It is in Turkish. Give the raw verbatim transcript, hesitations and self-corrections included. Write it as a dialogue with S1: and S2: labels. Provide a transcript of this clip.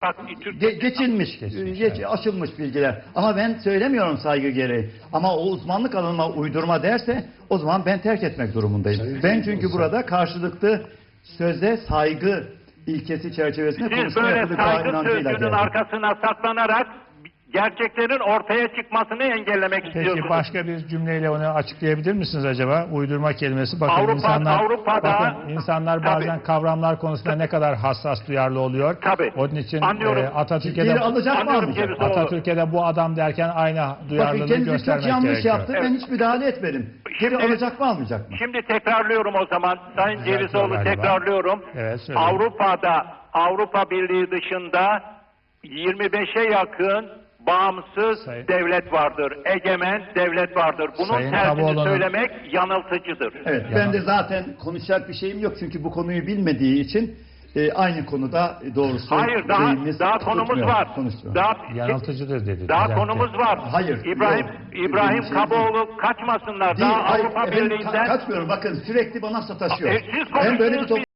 S1: Bak,
S2: Ge geçilmiş,
S3: Geçmiş,
S2: geç,
S3: evet.
S2: aşılmış bilgiler. Ama ben söylemiyorum saygı gereği. Ama o uzmanlık alanıma uydurma derse o zaman ben terk etmek durumundayım.
S3: Sayın
S2: Ben
S3: Sayın
S2: çünkü
S3: Sayın.
S2: burada karşılıklı sözde saygı ilkesi çerçevesinde
S1: siz
S2: konuşma
S1: böyle
S2: yapılacağına
S1: saygı
S2: inancıyla
S1: sözcüğünün
S2: geldim.
S1: arkasına saklanarak gerçeklerin ortaya çıkmasını engellemek istiyorsunuz.
S3: Peki başka bir cümleyle onu açıklayabilir misiniz acaba? Uydurma kelimesi. Bakın
S1: Avrupa-
S3: insanlar,
S1: Avrupa'da-
S3: bakın insanlar bazen
S1: Tabii.
S3: kavramlar konusunda ne kadar hassas, duyarlı oluyor.
S1: Tabii.
S3: Onun için
S1: Anlıyorum.
S3: e, Atatürk'e
S2: Geri
S3: de
S2: alacak mı
S1: Anlıyorum
S2: almayacak?
S1: Cevizoğlu.
S3: Atatürk'e de bu adam derken aynı
S2: Bakın
S3: duyarlılığı
S2: kendisi çok
S3: göstermek
S2: yanlış
S3: gerekiyor.
S2: yaptı. Ben hiç müdahale etmedim. Geri
S1: Şimdi-
S2: alacak mı almayacak mı?
S1: Şimdi tekrarlıyorum o zaman. Sayın
S3: Düzeltiyor
S1: Cevizoğlu,
S3: galiba.
S1: tekrarlıyorum.
S3: Evet, söyleyin.
S1: Avrupa'da, Avrupa Birliği dışında yirmi beşe yakın bağımsız
S3: Sayın-
S1: devlet vardır. Egemen devlet vardır. Bunun
S3: Sayın
S1: tersini
S3: Kaboğlu'nun-
S1: söylemek yanıltıcıdır.
S2: Evet,
S3: Yalan.
S2: ben de zaten konuşacak bir şeyim yok çünkü bu konuyu bilmediği için e, aynı konuda e, doğrusu
S1: Hayır, daha
S2: şeyimiz
S1: daha konumuz
S2: tutmuyor,
S1: var.
S2: konuşmuyor.
S1: Daha
S3: Yanıltıcıdır dedi.
S1: Daha
S3: düzeltti.
S1: konumuz var.
S2: Hayır,
S1: İbrahim
S2: yok.
S1: İbrahim
S2: Şey
S1: Kaboğlu kaçmasınlar.
S2: Değil,
S1: Daha
S2: hayır,
S1: Avrupa
S2: efendim,
S1: Birliği'nden
S2: ka- kaçmıyorum. Bakın sürekli bana sataşıyor.
S1: E, siz
S2: Ben böyle bir
S1: konuştunuz,